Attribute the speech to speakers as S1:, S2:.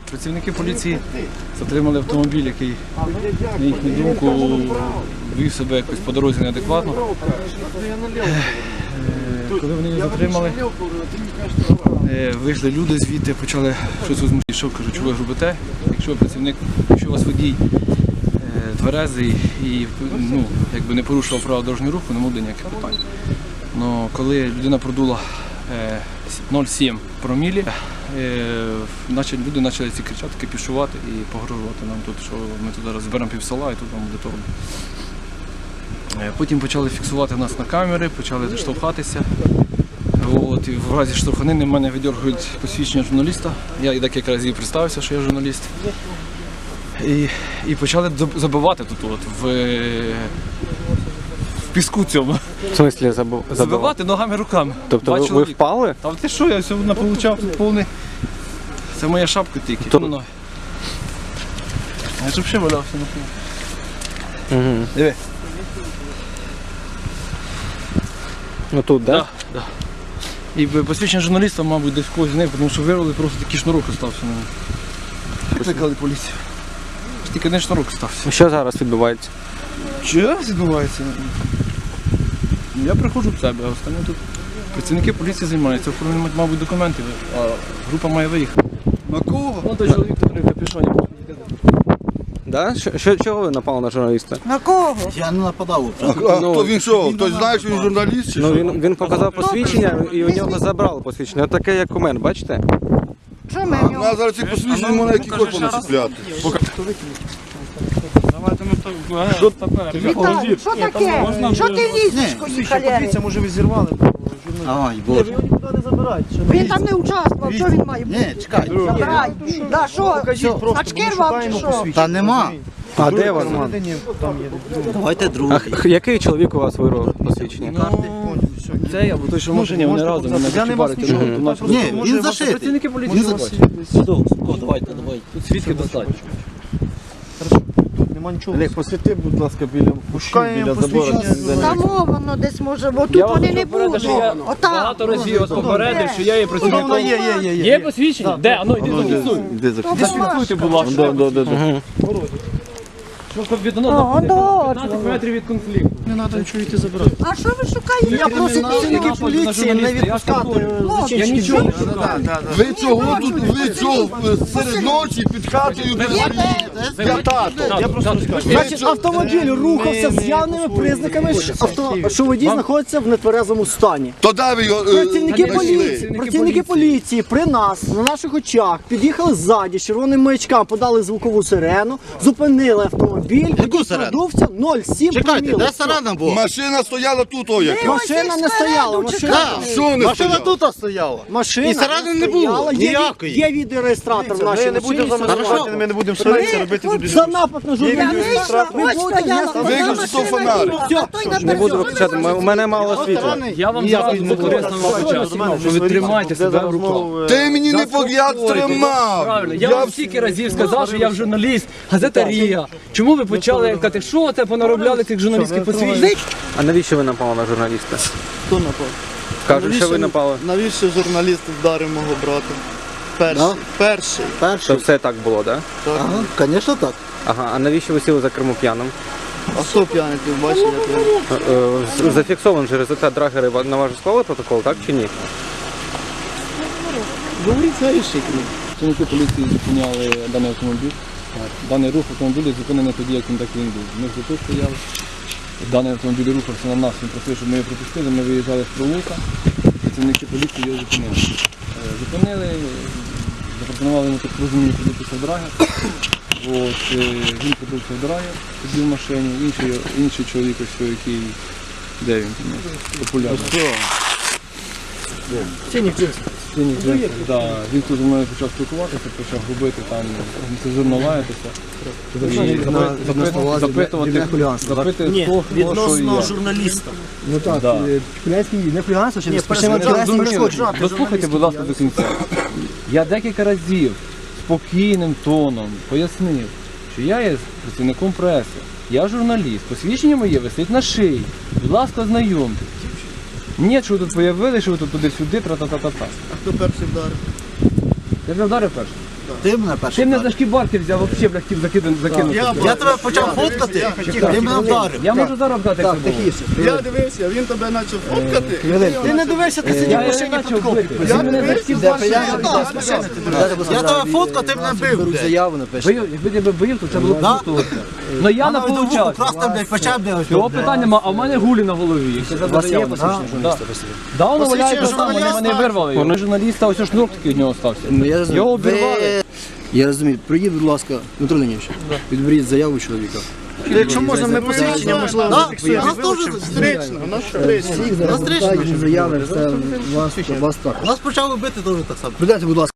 S1: Працівники поліції затримали автомобіль, який, на їхню думку, вів себе якось по дорозі неадекватно. Коли вони його затримали, вийшли люди звідти, почали щось розмовляти. Що, кажуть, що ви робите? Якщо працівник, якщо у вас водій тверезий і якби не порушував правила дорожнього руху, не буде ніяких питань. Но коли людина продула 0,7 промілі, люди почали ці кричати, кипішувати і погрожувати нам тут, що ми тут зараз зберемо пів села і тут вам буде торгу. Потім почали фіксувати нас на камери, почали штовхатися. І в разі штовханини в мене видергують посвідчення журналіста. Я декілька разів представився, що я журналіст. І почали забивати тут, в піску цьому.
S2: В смислі
S1: Забивати ногами, руками.
S2: Тобто ви впали?
S1: Та ти що, я сьогодні получав тут повний. Це моя шапка тільки. Я ж взагалі валявся на полу. Диви.
S2: Ну тут, так?
S1: Так. І посвідчення журналіста, мабуть, десь когось з них, тому що вирвали, просто такий шнурок остався на ньому. Викликали поліцію. Тільки один шнурок остався.
S2: Що зараз відбувається?
S1: Що зараз відбувається? Я приходжу в себе, а останні тут працівники поліції займаються, оформлюють, мабуть, документи, а група має виїхати. На кого? Вон той чоловік, який в капюшоні.
S2: Да? Чого ви напали на журналіста?
S3: На кого?
S4: Я не нападав.
S5: Хто він що? Хтось знає, що він журналіст чи що?
S2: Він показав посвідчення і у нього забрали посвідчення. От таке, як у мене, бачите?
S3: Що ми
S5: У нас зараз ці посвідчення можна які хоч понасипляти.
S3: Віталій, що таке? Що ти лізеш, коні халери?
S4: може ви зірвали. Ай, Боже.
S3: Він там не участвував, що він має бути?
S4: Ні, чекай.
S3: Забирай. Да, що? Очки рвав чи що?
S4: Та нема.
S2: А де воно?
S4: Давайте другий.
S2: Який чоловік у вас вирвав посвідчення?
S1: Це або той, що в машині, вони разом, вони качебарить.
S4: Ні, він зашитий.
S1: Працівники поліції бачать.
S4: Давайте.
S1: Тут свідки достатньо.
S6: Олег, посвіти, будь ласка, біля забору.
S3: Там воно десь може, бо тут вони не будуть. Отам.
S1: Багато разів попередив, що я є працівником. Є посвідчення? Де? Ану, йди зафіксуй. Зафіксуйте, будь ласка. Щоб відносно 15 метрів від конфлікту.
S4: Не треба нічого йти забирати.
S3: А що ви шукаєте?
S4: Я просив працівників поліції не відпускати.
S1: Я нічого не шукаю.
S5: Ви цього тут, ви цього серед ночі під хатою для тато.
S1: Я просто
S6: Значить, автомобіль рухався з явними признаками, що водій знаходиться в нетверезому стані.
S5: То де ви його
S6: Працівники поліції при нас, на наших очах, під'їхали ззаді, з червоним маячком, подали звукову сирену, зупинили автомобіль,
S4: Яку сирену?
S6: продувся 0,7
S4: Чекайте,
S6: проміли.
S4: де сирена була?
S5: Машина стояла тут, о як.
S6: Машина не стояла,
S5: Що не
S4: Машина
S5: стояла?
S4: тут стояла.
S6: машина
S4: І сирени не було,
S6: стояла.
S4: ніякої.
S6: Є відеореєстратор в нашій машині.
S4: Ми не будемо сваритися, робити тут.
S6: За напад на журналіста ви будете нести
S5: Виключи той фонарик.
S2: Не буду виключати, у мене мало світла.
S1: Я вам зразу покорисно почав, що ви тримайте себе в руках.
S5: Ти мені не погляд тримав.
S1: Правильно, я вам стільки разів сказав, що я журналіст, газета Рія. Чому ви почали казати, що це понаробляли цих журналістських посвідчень?
S2: А навіщо ви напали на журналіста?
S7: Хто напав?
S2: Кажуть, що ви напали.
S7: Навіщо журналіст вдарив мого брата? Перший.
S2: То все так було, так?
S7: Ага, звісно так.
S2: Ага, а навіщо ви сіли за кермо п'яним?
S7: А хто п'яний, ти бачиш, як я?
S2: Зафіксований же результат драгери на ваш склали протокол, так чи ні?
S7: Говорить, знаєш, як він.
S1: Працівники поліції зупиняли даний автомобіль. Даний рух автомобіля зупинений тоді, як він так він був. Ми вже тут стояли. Даний автомобіль рухався на нас, він просив, щоб ми його пропустили. Ми виїжджали з провулка, працівники поліції його зупинили. Зупинили, запропонували йому так розумію подивитися в драгер. Він подивився в драгер, тоді в машині, інший чоловік, ось, який, де він, популярний. Да, він тут зі мною почав спілкуватися, почав губити, там, нецензурно лаятися. Запитувати, хто, що і як.
S7: журналіста.
S6: Ну так, хуліганський не хуліганство, чи
S1: Дослухайте, будь ласка, до кінця. Я декілька разів спокійним тоном пояснив, що я є працівником преси, я журналіст, посвідчення моє висить на шиї. Будь ласка, ознайомтесь. Ні, що ви тут появили, що ви тут туди-сюди, тра-та-та-та-та.
S7: А хто перший вдарив?
S1: Я вже вдарив перший.
S6: Ти мене перший.
S1: Ти мене за шкібарки взяв, взагалі, бля, хотів закинути.
S6: Я тебе почав фоткати, ти мене вдарив.
S1: Я можу зараз вдати, як це було.
S7: Я дивився, він тебе почав фоткати.
S6: Ти не дивишся, ти сидів в машині під копі.
S1: Я мене за шкібарки.
S6: Я тебе фоткав, ти мене бив, блядь.
S5: Заяву напиши.
S1: Бив, якби тебе бив, то це було б круто. Ну я не получав.
S6: Просто, блядь, почав, блядь.
S1: Його питання нема, а в мене гулі на голові. У вас є посвідчення журналіста? Да, воно валяється там, вони мене вирвали. Вони журналіста, ось шнур такий від нього стався.
S5: Я розумію.
S1: Його обірвали.
S5: Я розумію. Пройдіть, будь ласка, Дмитро Леонідович, відберіть заяву чоловіка.
S6: Якщо можна, ми посвідчення, можливо, зафіксуємо.
S7: Нас теж встречно, нас встречно.
S5: Заяви, все, вас так.
S6: Нас почали бити теж так само.
S5: Придайте, будь ласка.